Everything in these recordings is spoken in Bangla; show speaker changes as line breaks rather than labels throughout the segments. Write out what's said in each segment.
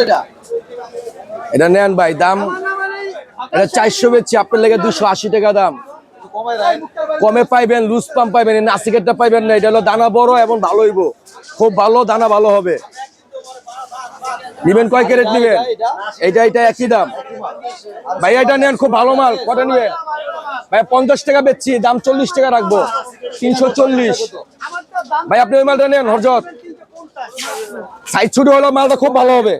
এটা নেন ভাই, দাম এটা 400 বেচছি, আপনার লেগে 280 টাকা দাম। কমে পাইবেন, লুজ পাম্প পাইবেন, নাসিকেটটা পাইবেন না। এটা হলো দানা বড় এবং ভালো হইব, খুব ভালো দানা, ভালো হবে। নিবেন কয় ক্যারেট নিবেন? এটা একই দাম ভাই। এটা নেন, খুব ভালো মাল। কটা নিবেন ভাই? 50 টাকা বেচছি, দাম 40 টাকা রাখবো, 340 ভাই। আপনি ওই মালটা নেন হরজত, সাইজ ছোট হলো মালটা খুব ভালো হবে।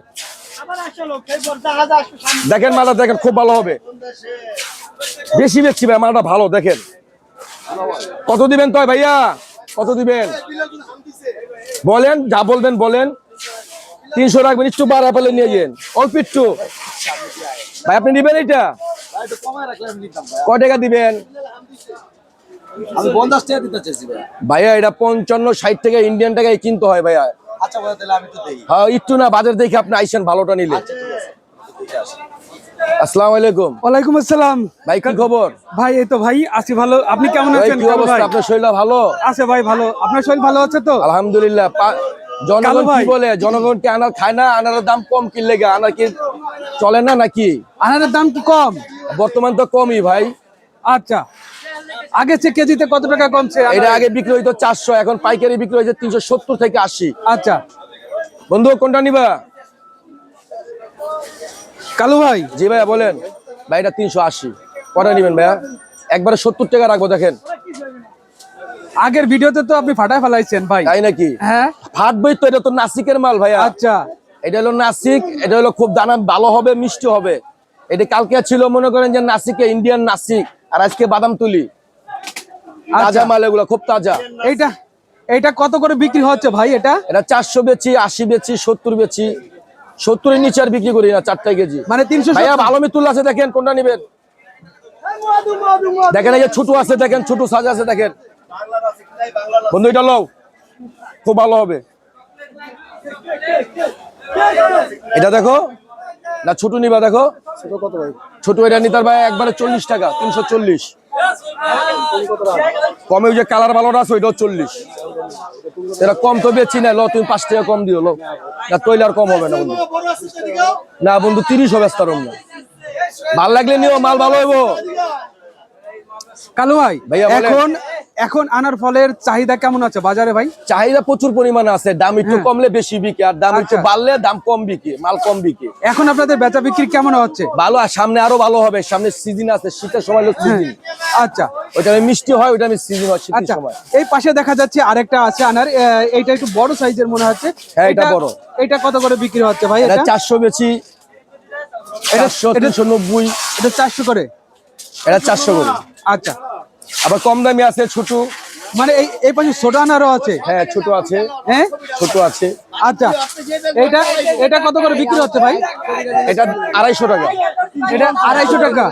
দেখেন মালটা, দেখেন খুব ভালো হবে, বেশি বেচছি ভাই, মালটা ভালো। দেখেন কত দিবেন তো ভাইয়া, কত দিবেন বলেন, যা বলবেন বলেন। 300 রাখবেন, একটু বাড়া পেলে নিয়ে যান, অল্প একটু ভাই। আপনি নিবেন এটা কয় টাকা দিবেন?
আমি 50 টাকা দিতে চাইছি
ভাইয়া। এটা 55-60 টাকা ইন্ডিয়ান টাকায় কিনতে হয় ভাইয়া।
আচ্ছা ভাই, তাহলে আমি তো দেই।
হ্যাঁ, একটু না, বাজার দেখে আপনি আইসেন ভালোটা নিলে। আসসালামু আলাইকুম।
ওয়ালাইকুম আসসালাম
ভাই, কি খবর?
ভাই এই তো ভাই আছি ভালো। আপনি কেমন
ভাই
আছেন?
কি অবস্থা? আপনার শরীর ভালো
আছে ভাই, ভালো। আপনার শরীর ভালো আছে তো?
আলহামদুলিল্লাহ। জনগণ কি বলে? জনগণ কি আনার খায় না? আনারের দাম কম কিনলে আনার কি চলে না নাকি?
আনারের দাম কি কম?
বর্তমান তো কমই ভাই।
আচ্ছা, আগে চেয়ে কেজিতে কত টাকা কমছে?
এটা আগে বিক্রি হইতো 400, এখন পাইকারি বিক্রি হয়েছে 370 থেকে 80।
আচ্ছা
বন্ধু, কোনটা নিবা?
কালু ভাই।
জি ভাইয়া বলেন। ভাই এটা 380, কটা নিবেন ভাইয়া? একবারে 70 টাকা রাখবো। দেখেন
আগের ভিডিওতে তো আপনি ফাটায় ফেলাইছেন ভাই।
তাই নাকি?
হ্যাঁ,
ফাটবই তো, এটা তো নাসিকের মাল ভাইয়া।
আচ্ছা,
এটা হলো নাসিক, এটা হলো খুব দানা ভালো হবে, মিষ্টি হবে। এটা কালকে ছিল মনে করেন যে নাসিকে, ইন্ডিয়ান নাসিক, আর আজকে বাদাম তুলি, তাজা মাল, এগুলো খুব তাজা।
এইটা কত করে বিক্রি হচ্ছে ভাই? এটা
400 বেচি, 80 বেচি, 70 বেচি। 70 এর নিচে আর বিক্রি করি না, 4 কেজি।
মানে 300
ভাইয়া ভালো মিতুল আছে, দেখেন কোনটা নিবেন? দেখেন এই যে ছোট আছে, দেখেন ছোট সাজা আছে, দেখেন বন্ধু, এটা লও, খুব ভালো হবে। এটা দেখো না, ছোট নিবা? দেখো ছোট, এটা নিতার ভাই একবারে 40 টাকা, 340। কমে ওই যে কালার ভালোটা আছে, ওইটাও 40। এটা কম তো বেচি না, লো তুমি 5 টাকা কম দিও, লো না তৈলে আর কম হবে না বন্ধু। না বন্ধু, 30 হবে তার না। ভাল লাগলে নিও, মাল ভালো হইব।
কালু ভাই,
ভাইয়া
এখন আনার ফলের চাহিদা কেমন আছে বাজারে ভাই?
চাহিদা প্রচুর পরিমাণে আছে, দাম একটু কমলে বেশি বিকে, আর দাম একটু বাড়লে দাম কম বিকে, মাল কম বিকে।
এখন আপনাদের বেচা বিক্রি কেমন হচ্ছে?
ভালো, আর সামনে আরো ভালো হবে। সামনে সিজন আছে, শীতের সময় হলো সিজন।
আচ্ছা,
ওইটা মিষ্টি হয়, ওইটা সিজন হয় শীতের সময়।
এই পাশে দেখা যাচ্ছে আরেকটা আছে আনার, এইটা একটু বড় সাইজের মনে হচ্ছে।
হ্যাঁ, এটা বড়।
এটা কত করে বিক্রি হচ্ছে ভাই?
এটা 400 বেচি, 400, 390।
এটা 400 করে?
এটা 400 করে।
আচ্ছা,
আবার কম দামি আছে, ছোট।
মানে এই পাশে ছোট আনারও আছে?
হ্যাঁ, ছোট আছে।
হ্যাঁ,
ছোট আছে।
আচ্ছা, এটা কত করে বিক্রি হচ্ছে ভাই?
এটা 250 টাকা।
এটা 250 টাকা।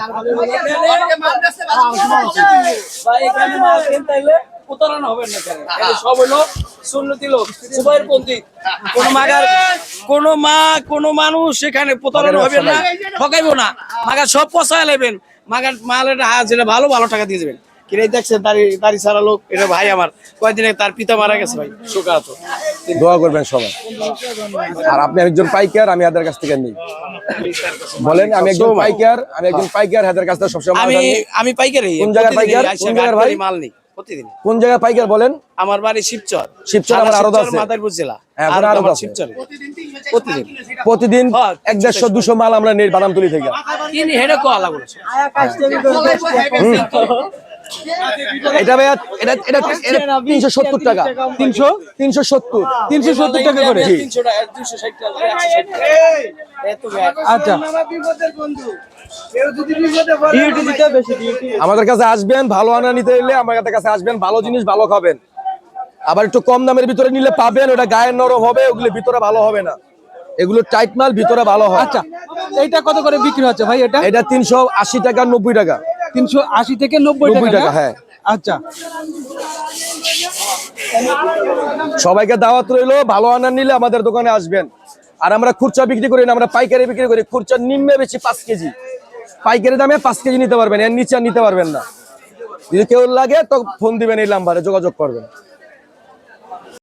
কোন মানুষ এখানে প্রতারণা হবে না, ঠকাইবো না। মাগার সব পচায় নেবেন, মাগার মালের যেটা ভালো ভালো টাকা দিয়ে দেবেন। কিনে দেখছেন দাড়ি ছাড়া লোক, এটা ভাই আমার কয়েকদিনে তার পিতা মারা গেছে ভাই, শোকাহত।
দোয়া করবেন সবাই। আর আপনি একজন পাইকার, আমি হাতের কাছ থেকে নিই। বলেন, আমি একজন পাইকার, হাতের কাছ থেকে সবসময়
আমি পাইকারি।
কোন জায়গায় পাইকার? কোন জায়গায় ভাই?
মাল নেই প্রতিদিন।
কোন জায়গায় পাইকার বলেন?
আমার বাড়ি শিবচর।
আমার আরো আছে,
মাদারীপুর জেলা।
হ্যাঁ,
আর
আরো
আমার
আছে।
শিবচরে
প্রতিদিন 150-200 মাল আমরা নেই বাদামতুলি থেকে।
কিনি হেডে কো আলা বলেছে।
এটা ভাইয়া, এটা 370 টাকা। 370
টাকা করে?
300 টাকা, 260 টাকা, 160 টাকা।
আচ্ছা,
আমাদের কাছে আসবেন, ভালো আনা নিতে এলে আমাদের কাছে আসবেন, ভালো জিনিস ভালো খাবেন। আবার একটু কম দামের ভিতরে নিলে পাবেন, ওটা গায়ের নরম হবে, ওগুলো ভিতরে ভালো হবে না। এগুলো টাইট মাল, ভিতরে ভালো হয়।
আচ্ছা, এইটা কত করে বিক্রি হচ্ছে ভাই?
এটা 380 টাকা, 90 টাকা।
380 থেকে 90 টাকা।
হ্যাঁ।
আচ্ছা,
সবাইকে দাওয়াত রইলো, ভালো আনা নিলে আমাদের দোকানে আসবেন। আর আমরা খুচরা বিক্রি করি না, আমরা পাইকারি বিক্রি করি। খুচরা নিম্নে বেশি 5 কেজি, পাইকারি দামে 5 কেজি নিতে পারবেন, এর নিচে নিতে পারবেন না। যদি কেউ লাগে তো ফোন দিবেন, এই নাম্বারে যোগাযোগ করবেন।